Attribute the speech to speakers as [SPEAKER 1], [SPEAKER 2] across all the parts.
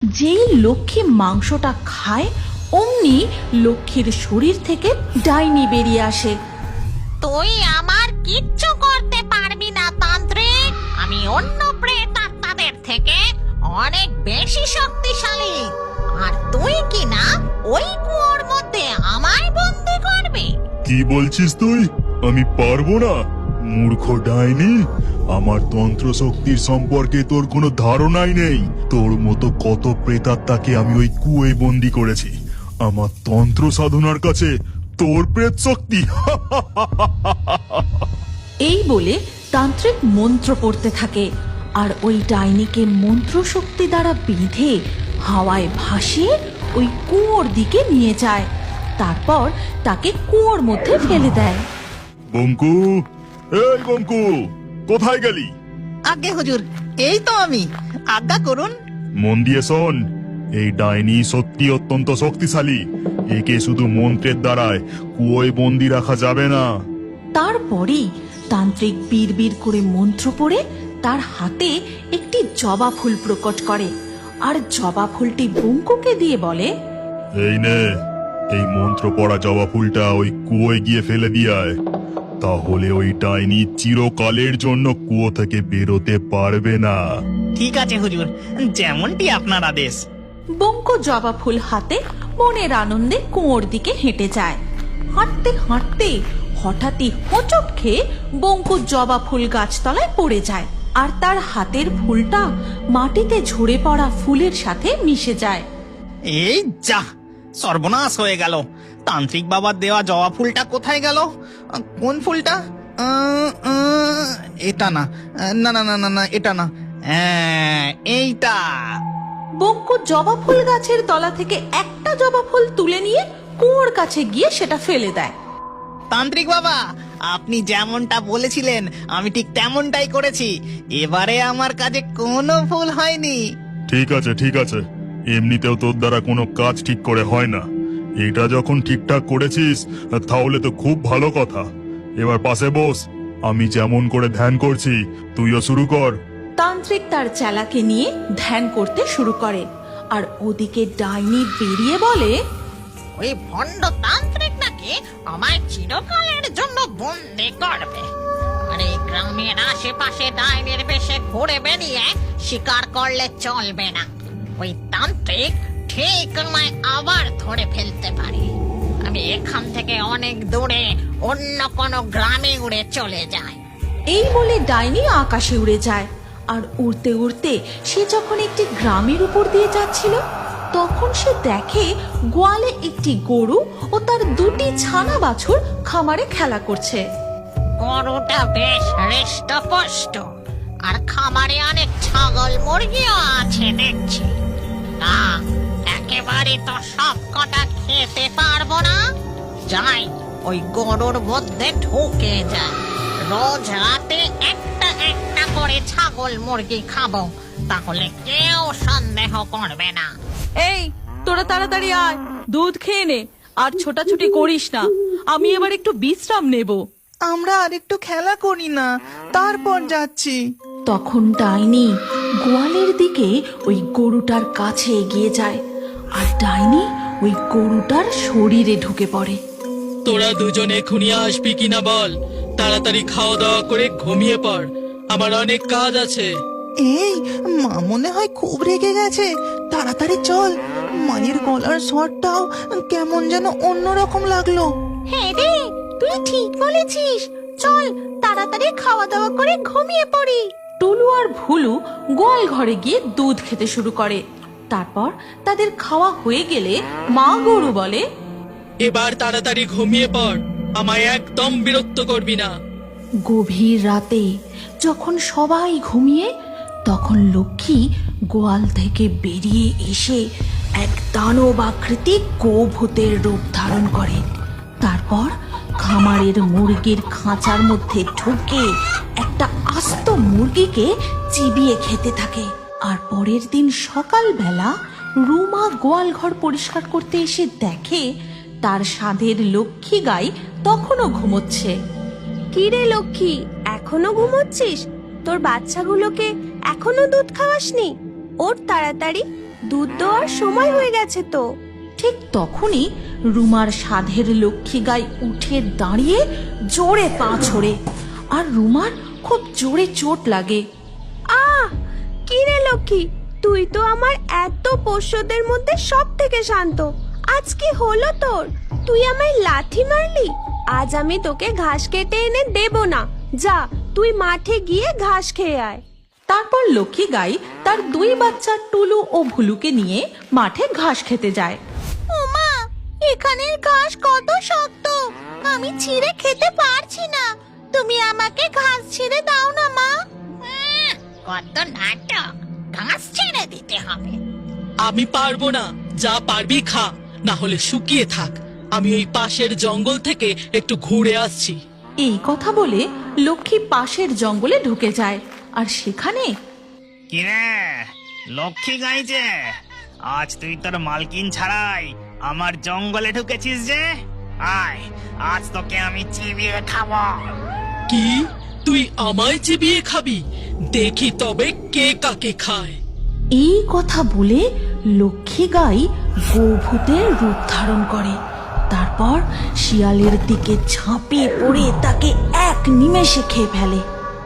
[SPEAKER 1] যেই লক্ষ্মী মাংসটা খায় অমনি লক্ষ্মীর শরীর থেকে ডাইনি বেরিয়ে আসে।
[SPEAKER 2] তুই আমার কিচ্ছু করতে পারবি না তান্ত্রিক। আমি অন্য প্রেতাত্মাদের থেকে অনেক বেশি শক্তিশালী। আর তুই কি না ওই কুয়োর মধ্যে আমায় বন্দি করবি?
[SPEAKER 3] কি বলছিস তুই? আমি পারবো না? মূর্খ ডাইনি, আমার তন্ত্র শক্তির সম্পর্কে তোর কোনো ধারণাই নেই। তোর মতো কত প্রেতাত্মাকে আমি ওই কুয়োয় বন্দি করেছি। আমার তন্ত্র সাধনার কাছে তোর প্রেত শক্তি।
[SPEAKER 1] এই বলে তান্ত্রিক মন্ত্র পড়তে থাকে আর ওই ডাইনিকে মন্ত্র শক্তি দ্বারা বেঁধে হাওয়ায় ভাসিয়ে ওই কুয়োর দিকে নিয়ে যায়। তারপর তাকে কুয়োর মধ্যে ফেলে দেয়।
[SPEAKER 3] বঙ্কু, এই বঙ্কু, কোথায় গেলি?
[SPEAKER 4] আজ্ঞে হুজুর, এই তো আমি। আজ্ঞা করুন।
[SPEAKER 3] মন দিয়ে শোন, এই ডাইনি সত্যি অত্যন্ত শক্তিশালী। একে শুধু মন্ত্রের দ্বারায় কুয়োয় বন্দি রাখা যাবে না।
[SPEAKER 1] তারপরেই তান্ত্রিক বিড়বিড় করে মন্ত্র পড়ে তার হাতে একটি জবা ফুল প্রকট করে আর জবা ফুলটি বঙ্কুকে দিয়ে বলে,
[SPEAKER 3] এই নে, এই মন্ত্র পড়া জবা ফুলটা ওই কুয়োয় গিয়ে ফেলে দিয়ে আয়। তাহলে ওই ডাইনি চিরকালের জন্য কুয়ো থেকে বেরোতে পারবে না।
[SPEAKER 4] ঠিক আছে হুজুর, যেমনটি আপনার আদেশ।
[SPEAKER 1] বঙ্কু জবা ফুল হাতে মনের আনন্দে কুয়োর দিকে হেঁটে যায়। হাঁটতে হাঁটতে হঠাৎই হোঁচট খেয়ে বঙ্কু জবা ফুল গাছতলায় পড়ে যায় আর তার হাতের ফুলটা মাটিতে ঝরে পড়া ফুলের সাথে মিশে যায়।
[SPEAKER 4] এই যা, সর্বনাশ হয়ে গেল। তান্ত্রিক বাবার দেওয়া জবা ফুলটা কোথায় গেল? কোন ফুলটা? এটা না, না না না না না, এটা না, এইটা।
[SPEAKER 1] বঙ্কু জবা ফুল গাছের তলা থেকে একটা জবা ফুল তুলে নিয়ে কুয়োর কাছে গিয়ে সেটা ফেলে দেয়।
[SPEAKER 4] তান্ত্রিক বাবা, আপনি যেমনটা বলেছিলেন আমি ঠিক তেমনটাই করেছি। এবারে আমার কাছে কোনো ভুল হয়নি।
[SPEAKER 3] ঠিক আছে, ঠিক আছে, এমনিতেও তোর দ্বারা কোনো কাজ ঠিক করে হয় না। এটা যখন ঠিকঠাক করেছিস তাহলে তো খুব ভালো কথা। এবার পাশে বস, আমি যেমন করে ধ্যান করছি তুইও শুরু কর।
[SPEAKER 1] তান্ত্রিক তার চেলাকে নিয়ে ধ্যান করতে শুরু করে আর ওদিকে ডাইনি বেরিয়ে বলে,
[SPEAKER 2] ওই ভণ্ড তান্ত্রিক নাকি আমায় চিরকালের জন্য বন্দি করবে। আর এই গ্রামের আশেপাশে ডাইনির বেশে ঘুরে বেরিয়ে শিকার করলে চলবে না। ওই তান্ত্রিক ঠিক আমায় আবার ধরে ফেলতে পারে। আমি এখান থেকে অনেক দূরে অন্য কোনো গ্রামে উড়ে চলে যাই।
[SPEAKER 1] এই বলে ডাইনি আকাশে উড়ে যায় আর উড়তে উড়তে সে যখন একটি গ্রামের উপর দিয়ে যাচ্ছিল তখন সে দেখে গোয়ালে একটি গরু ও তার দুটি ছানা বাছুর খামারে খেলা করছে।
[SPEAKER 2] গরুটা বেশ হৃষ্টপুষ্ট আর খামারে অনেক ছাগল মুরগিও আছে দেখছি। না, একেবারে তো সব কটা খেতে পারবো না। যাই, ওই গরুর মধ্যে ঢুকে যায়। রোজ রাতে একটা একটা করে ছাগল মুরগি খাবো, তাহলে কেউ সন্দেহ করবে না।
[SPEAKER 1] এই, তোরা তাড়াতাড়ি আয়, দুধ খেয়ে নে আর ছোটাছুটি করিস না। আমি এবার একটু বিশ্রাম নেব।
[SPEAKER 4] আমরা আর একটু খেলা করি না, তারপর যাচ্ছি।
[SPEAKER 1] তখন ডাইনি গোয়ালের দিকে ওই গরুটার কাছে এগিয়ে যায় আর ডাইনি ওই গরুটার শরীরে ঢুকে পড়ে।
[SPEAKER 5] তোরা দুজন এখনই আসবি কিনা বল। তাড়াতাড়ি খাওয়া দাওয়া করে ঘুমিয়ে পড়, আমার অনেক কাজ আছে।
[SPEAKER 4] এই, মা মনে হয় খুব রেগে গেছে। তাড়াতাড়ি চল। মায়ের গলার স্বরটাও কেমন যেন অন্যরকম লাগলো।
[SPEAKER 1] হ্যাঁ রে, তুই ঠিক বলেছিস। চল তাড়াতাড়ি খাওয়া দাওয়া করে ঘুমিয়ে পড়ি। টুলু আর ভুলু গোয়াল ঘরে গিয়ে দুধ খেতে শুরু করে। তারপর তাদের খাওয়া হয়ে গেলে মা গরু বলে,
[SPEAKER 5] এবার তাড়াতাড়ি ঘুমিয়ে পড়, আমায় একদম বিরক্ত করবি না।
[SPEAKER 1] গভীর রাতে যখন সবাই ঘুমিয়ে তখন লক্ষ্মী গোয়াল থেকে বেরিয়ে এসে এক দানব আকৃতির গোভূতের রূপ ধারণ করে। তারপর খামারের মুরগির খাঁচার মধ্যে ঢুকে একটা আস্ত মুরগিকে চিবিয়ে খেতে থাকে। আর পরের দিন সকালবেলা রুমা গোয়াল ঘর পরিষ্কার করতে এসে দেখে তার সাধের লক্ষ্মী গাই তখনও ঘুমোচ্ছে।
[SPEAKER 6] কি রে লক্ষ্মী, এখনো ঘুমোচ্ছিস? তোর বাচ্চাগুলোকে এখনো দুধ খাওয়াসনি? ওঠ তাড়াতাড়ি, দুধ দেওয়ার সময় হয়ে গেছে তো।
[SPEAKER 1] ঠিক তখনই রুমার সাধের লক্ষ্মী গাই উঠে দাঁড়িয়ে জোরে পা ছোড়ে, আর রুমার খুব জোরে চোট লাগে।
[SPEAKER 6] কি রে লক্ষ্মী, তুই তো আমার এত পোষ্যদের মধ্যে সব থেকে শান্ত, আজ কি হলো তোর? তুই আমায় লাথি মারলি। আজ আমি তোকে ঘাস কেটে এনে দেব না। যা, তুই মাঠে গিয়ে ঘাস খেয়ে আয়।
[SPEAKER 1] তারপর লক্ষ্মী গাই তার 2 বাচ্চা টুলু ও ভুলুকে নিয়ে মাঠে ঘাস খেতে যায়।
[SPEAKER 2] ওমা, এখানের ঘাস কত শক্ত, আমি ছিঁড়ে খেতে পারছি না। তুমি আমাকে ঘাস ছিঁড়ে দাও না মা। কত নাটক, ঘাস ছিঁড়ে দিতে হবে।
[SPEAKER 5] আমি পারবো না, যা পারবি খা, না হলে শুকিয়ে থাক। আমি ওই পাশের জঙ্গল থেকে একটু ঘুরে আসছি।
[SPEAKER 1] এই কথা বলে লক্ষ্মী পাশের জঙ্গলে ঢুকে যায়, আর সেখানে
[SPEAKER 7] কিরে লক্ষ্মী গাই যে, আজ তুই তোর মালকিন ছাড়াই আমার জঙ্গলে ঢুকেছিস যে? আয়, আজ তোকে আমি চিবিয়ে খাবো।
[SPEAKER 5] কি, তুই আমায় চিবিয়ে খাবি? দেখি তবে কে কাকে খায়।
[SPEAKER 1] এই কথা বলে লক্ষ্মী গাই গোভূতের রূপ ধারণ করে। তারপর শিয়ালের দিকে ঝাঁপিয়ে পড়ে তাকে এক নিমেষে খেয়ে ফেলে।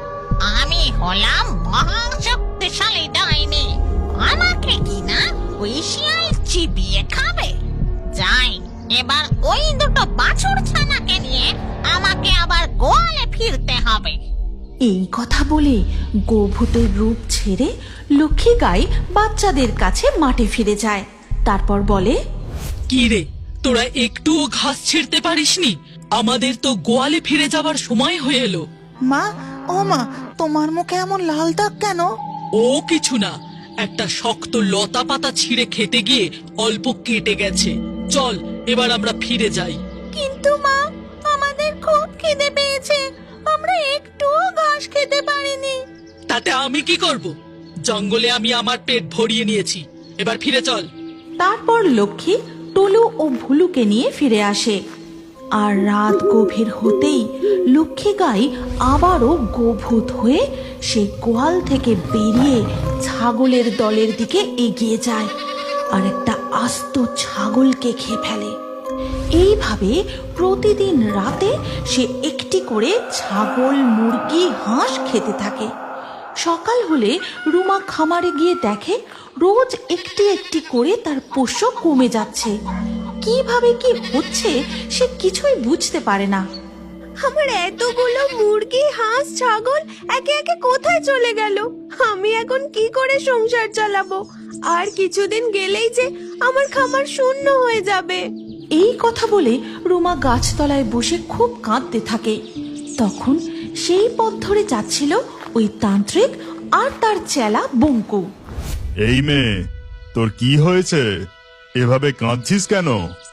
[SPEAKER 2] আমি হলাম মহাশক্তিশালী ডাইনি, আমাকে কিনা ওই শিয়াল চিবিয়ে খাবে? যাই, এবার ওই দুটো বাছুর ছানাকে নিয়ে আমাকে আবার গোয়ালে ফিরতে হবে।
[SPEAKER 1] এই কথা বলে গোভূতের রূপ ছেড়ে লক্ষ্মী গাই বাচ্চাদের কাছে মাঠে ফিরে যায়। তারপর বলে,
[SPEAKER 5] কি রে, তোরা একটুও ঘাস ছিঁড়তে পারিসনি? আমাদের তো গোয়ালে ফিরে যাবার সময় হয়ে এলো।
[SPEAKER 4] মা, ও মা, তোমার মুখে এমন লাল দাগ কেন?
[SPEAKER 5] ও কিছু না, একটা শক্ত লতা পাতা ছিঁড়ে খেতে গিয়ে অল্প কেটে গেছে। চল, এবার আমরা ফিরে যাই।
[SPEAKER 2] কিন্তু মা, আমাদের খুব খিদে পেয়েছে, আমরা একটুও ঘাস খেতে পারিনি।
[SPEAKER 5] তাতে আমি কি করব? জঙ্গলে আমি আমার পেট ভরিয়ে নিয়েছি, এবার ফিরে চল।
[SPEAKER 1] তারপর লক্ষ্মী টুলু ও ভুলুকে নিয়ে ফিরে আসে। আর রাত গভীর হতেই লক্ষ্মী গাই আবারও গোভূত হয়ে সে গোয়াল থেকে বেরিয়ে ছাগলের দলের দিকে এগিয়ে যায়, আর একটা আস্ত ছাগলকে খেয়ে ফেলে। এইভাবে প্রতিদিন রাতে সে একটি করে ছাগল, মুরগি, হাঁস খেতে থাকে। সকাল হলে রুমা খামারে গিয়ে দেখে রোজ একটি একটি করে তার পোষ্য কমে যাচ্ছে। কিভাবে কি হচ্ছে সে কিছুই বুঝতে পারে না।
[SPEAKER 6] আমার এতগুলো মুরগি, হাঁস, ছাগল একে একে কোথায় চলে গেল? আমি এখন কি করে সংসার চালাবো? আর কিছুদিন গেলেই যে আমার খামার শূন্য হয়ে যাবে।
[SPEAKER 1] এই কথা বলে রুমা গাছতলায় বসে খুব কাঁদতে থাকে। তখন সেই পথ ধরে যাচ্ছিল ওই তান্ত্রিক আর তার চেলা বঙ্কু।
[SPEAKER 3] এই মেয়ে, তোর কি হয়েছে? এভাবে কাঁদছিস কেন?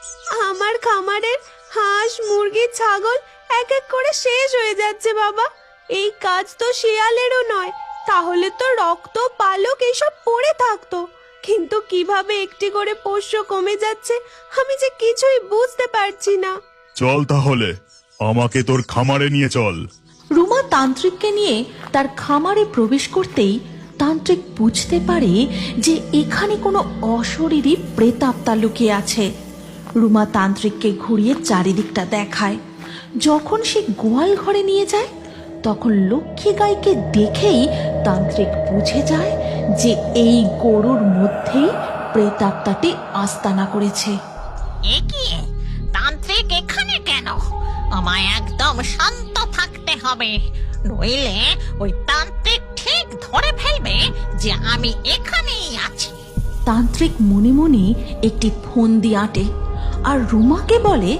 [SPEAKER 6] আমার খামারের হাঁস, মুরগি, ছাগল এক এক করে শেষ হয়ে যাচ্ছে বাবা। এই কাজ তো শিয়ালেরও নয়, তাহলে তো রক্ত, পালক এইসব পড়ে থাকতো। কিন্তু কিভাবে একটি করে পোষ্য কমে যাচ্ছে আমি যে কিছুই বুঝতে পারছি না।
[SPEAKER 3] চল তাহলে, আমাকে তোর খামারে নিয়ে চল।
[SPEAKER 1] রুমা তান্ত্রিককে নিয়ে তার খামারে প্রবেশ করতেই তান্ত্রিক বুঝতে পারে যে এখানে কোনো অশরীরী প্রেতাত্মা লুকিয়ে আছে। রুমা তান্ত্রিককে ঘুরিয়ে চারিদিকটা দেখায়। যখন সে গোয়াল ঘরে নিয়ে যায় তখন লক্ষ্মী গাইকে দেখেই তান্ত্রিক বুঝে যায় যে এই গরুর মধ্যেই প্রেতাত্মাটি আস্তানা করেছে।
[SPEAKER 2] এ কি, তান্ত্রিক এখানে কেন? আমায় একদম শান্ত থাকতে হবে, নইলে ওই তান্ত্রিক ঠিক ধরে ফেলবে যে আমি এখানেই আছি।
[SPEAKER 1] তান্ত্রিক মনে মনে একটি ফন্দি আঁটে আর রুমাকে বলে,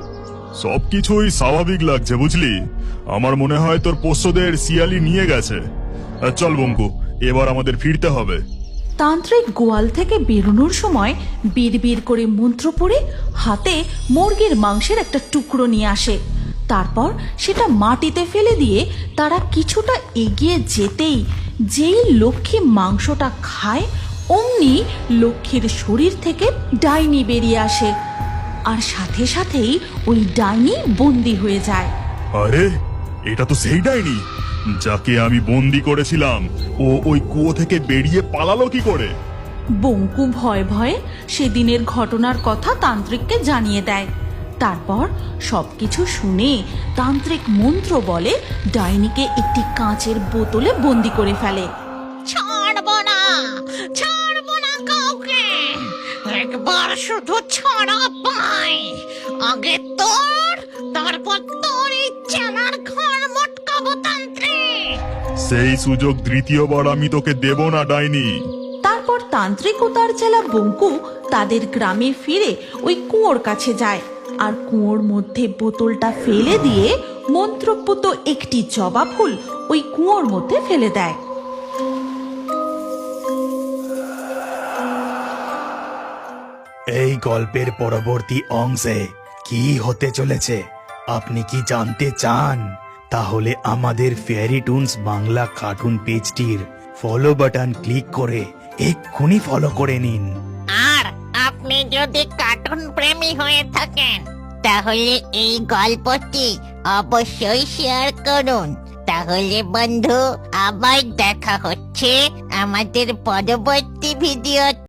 [SPEAKER 3] সবকিছুই স্বাভাবিক লাগছে বুঝলি। আমার মনে হয় তোর পোষ্যদের শিয়ালি নিয়ে গেছে। চল বঙ্কু, এবার আমাদের ফিরতে হবে।
[SPEAKER 1] তান্ত্রিক গোয়াল থেকে বেরোনোর সময় বিড়বিড় করে মন্ত্র পড়ে হাতে মুরগির মাংসের একটা টুকরো নিয়ে আসে। তারপর সেটা মাটিতে ফেলে দিয়ে তারা কিছুটা এগিয়ে যেতেই যেই লক্ষ্মী মাংসটা খায় অমনি লক্ষ্মীর শরীর থেকে ডাইনি বেরিয়ে আসে, আর সাথে সাথেই ওই ডাইনি বন্দি হয়ে যায়।
[SPEAKER 3] আরে, এটা তো সেই ডাইনি যাকে আমি বন্দি করেছিলাম। ও ওই কুয়ো থেকে বেরিয়ে পালালো কি করে?
[SPEAKER 1] বঙ্কু ভয়ে ভয়ে সেদিনের ঘটনার কথা তান্ত্রিককে জানিয়ে দেয়। তারপর সবকিছু শুনে তান্ত্রিক মন্ত্র বলে ডাইনিকে একটি কাঁচের বোতলে বন্দি করে ফেলে।
[SPEAKER 2] ছাড়বো না কাউকে, একবার শুধু ছাড়া পাই। আগে তোর, তারপর তোর এই চেলার ঘর মটকাবো তান্ত্রিক।
[SPEAKER 3] সেই সুযোগ দ্বিতীয়বার আমি তোকে দেব না ডাইনি।
[SPEAKER 1] তারপর তান্ত্রিক ও তার চেলা বঙ্কু তাদের গ্রামে ফিরে ওই কুয়োর কাছে যায় আর কুয়োর মধ্যে বোতলটা ফেলে দিয়ে মন্ত্রপুত একটি জবা ফুল ওই কুয়োর মধ্যে ফেলে দেয়।
[SPEAKER 8] এই গল্পের পরবর্তী অংশে কি হতে চলেছে আপনি কি জানতে চান? তাহলে আমাদের ফেয়ারি টুনস বাংলা কার্টুন পেজটির ফলো বাটন ক্লিক করে এক্ষুনি ফলো করে নিন।
[SPEAKER 2] আর আপনি যদি কার্টুন প্রেমী হয়ে থাকেন তাহলে এই গল্পটি অবশ্যই শেয়ার করুন। তাহলে বন্ধু, আবার দেখা হচ্ছে আমাদের পরবর্তী ভিডিও।